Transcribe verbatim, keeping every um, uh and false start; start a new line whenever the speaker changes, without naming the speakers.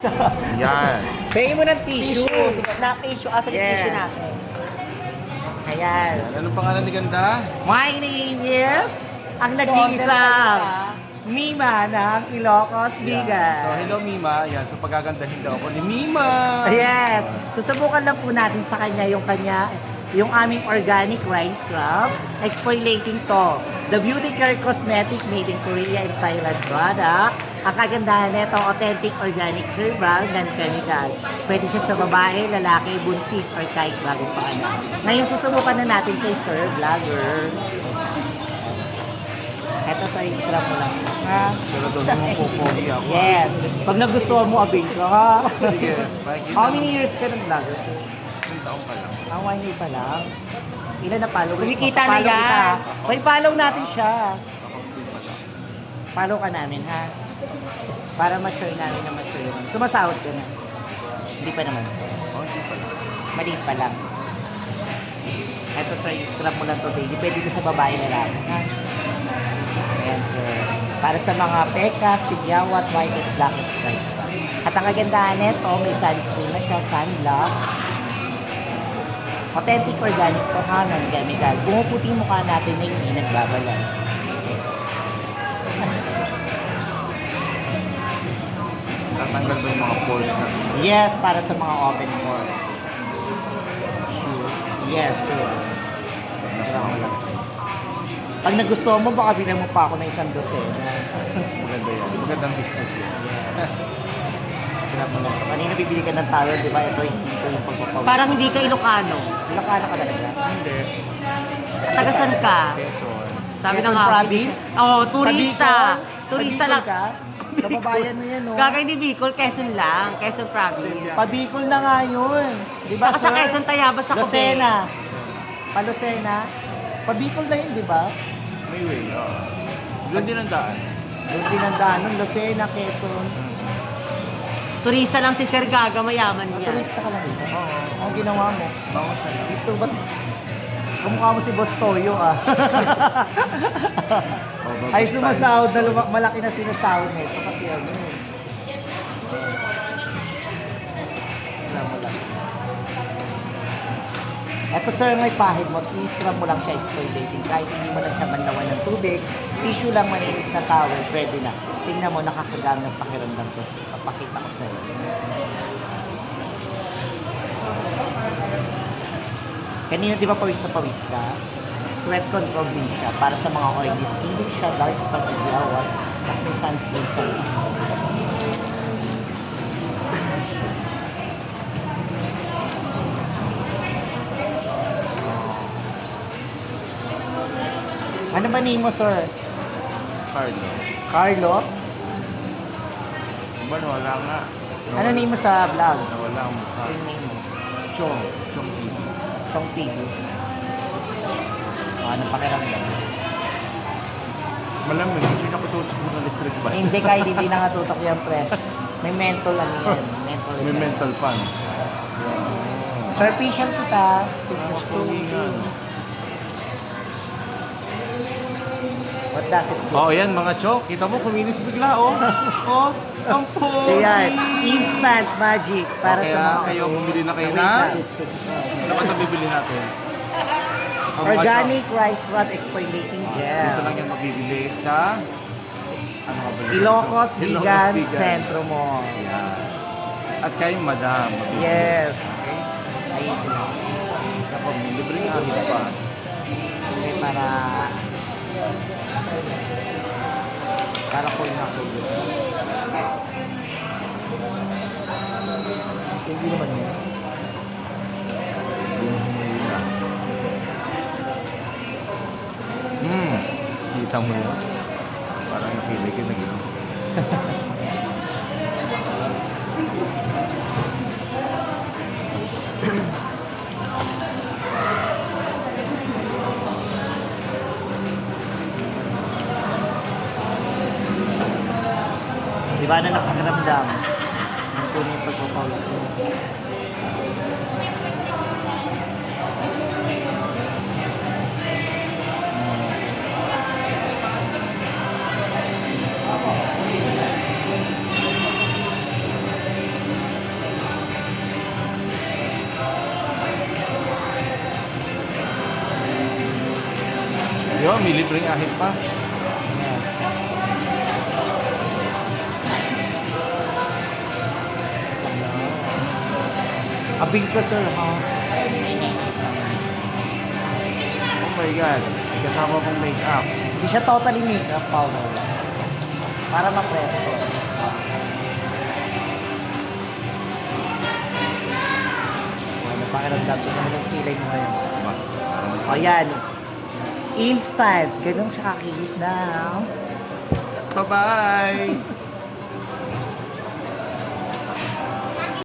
Yan.
Pay mo ng tissue.
Tissue. Sige, na tissue. Asa yung
Yes.
tissue natin?
Ayan.
Anong pangalan ni Ganda?
My name is ang
So,
nag-iisang Mima ng Ilocos
Yan.
Bigas.
So, hello Mima. Yan. So, pagagandahin daw ako ni Mima.
Yes. Susubukan lang po natin sa kanya yung kanya, yung aming organic rice scrub. Exfoliating to. The Beauty Care Cosmetic made in Korea and Thailand product. Ang kagandahan nito, authentic organic herbal, non-chemical. Pwede siya sa babae, lalaki, buntis, or kahit bagong paanak. Ngayon, susubukan na natin kay Sir Vlogger. Ito sa scrub mo lang. Ha?
Pero doon mo pupogi ako.
Yes. Pag nagustuhan mo, abing ka ha.
Sige. Makikita
How
mo.
many years ka ng vlogger, sir?
Isang taong pa lang.
Ah, one year pa lang. Ilan na followers mo?
Kumikita na
Follow
yan.
kita. May follow natin siya.
Ako din pa lang.
Follow ka namin, ha? Para ma-sure namin na ma-sure naman. Sumasahod ka na. Hindi pa naman.
Oh, hindi pa lang.
Maliit pa lang. Ito, sir, i-scrub mo lang to daily. Pwede ko sa babae na lang, ha? Ayan, sir. Para sa mga pekas, tigyawat, whiteheads, blackheads, stripes pa. At ang kagandahan nito, may sunscreen na siya, sunblock. Authentic organic to, ha? Non-chemical. Pumuputi yung mukha natin na hindi nagbabalay.
Tatanggal ba yung mga pores na?
Yes, para sa mga open pores.
Sure.
Yes, sure. Pag nagustuhan mo, baka bilang mo pa ako ng isang dosena.
Maganda yan. Magandang business yan.
Hirap mo lang. Kanina bibili ka ng towel, di ba? Ito hindi ko yung pagpapawis.
Parang hindi ka Ilocano.
Ilocano ka talaga.
Hindi.
Tagasan ka?
Quezon.
Sabi
Quezon
ng nga.
province?
Oo, turista.
Pabicol?
Turista
Pabicol
lang.
ka? Kababayan mo yan, no?
Gagawin ni Bicol, Quezon lang. Quezon province.
Pabicol na nga yun. Di ba,
Saka sa
sir?
Quezon, Tayabas ako.
Lucena. Palucena. Pabicol na yun, di ba?
May way. oo. Doon din ang daan.
Yung pinandaan nun, Lucena, Quezon.
Turista lang si Sir Gaga, mayaman
Ang
niya.
turista ka lang dito. Oo. Ang ginawa mo.
Bango siya lang.
Dito ba't? Kumukha mo si Boss Toyo, ah.
Oh, bago
Ay,
style.
sumasahod na luma- malaki na sinasahod nito kasi ano eh. Wala mo lang. Eto sir, may pahid mo, i-scrub mo lang siya exfoliating. Kahit hindi mo lang siya manlawan ng tubig, tissue lang maninis na towel, pwede na. Tingnan mo, nakakagaan ng pakiramdam ko. Papakita ko sa'yo. Kanina di ba pawis na pawis ka? Sweat control din siya para sa mga oily skin din siya, dark spot, igyawat, at may sunscreen sa Ano ba name mo, sir?
Carlo.
Carlo?
Ba, wala nga.
Ano name mo sa vlog?
Nawala ang mukha.
Screen name mo?
Chong. Chong T V.
Chong T V. O, anong pakiramdam?
Malamig. Hindi na ko tutok ng electric
Eh,
fan.
hindi kahit hindi nakatutok yung press. May mental ano yan. Mental.
May mental fan.
Sir, facial kita.
Gusto yan.
What does it do?
Oh, yan mga chok. Kita mo, kuminis bigla, oh. Oh, ang pogi.
Kaya, instant magic para
Kaya
sa mga
kayo, bumili na kayo
Wait
na?
lang.
Ano ba ito bibili natin? Oh, mga
Organic rice scrub exfoliating
chok.
gel.
Dito lang yan mabibili sa... Ano nga ba yun?
Ilocos
Ilocos
Bigan
Bigan.
Centro Mall.
Yan. At kay Madam. mabibili.
Yes.
Okay?
Ayun sila.
Kapag libre nga, hindi pa.
Okay, para... Para cool na cool. Hindi naman yun.
Hmm. Kita mo yun. Parang nakilig yun na gano'n.
Di ba na napakaramdam? Ang tunay yung pagpapawis mo.
may libreng ahit pa.
Yes. Abing ko, sir, ha?
Oh my God. May kasama pong make-up.
Hindi siya totally makeup powder. Para ma-presko. Ano pakiramdam ko naman yung kilay mo ngayon?
Diba?
O yan. Instant. Ganun siya kakihis na.
Bye-bye!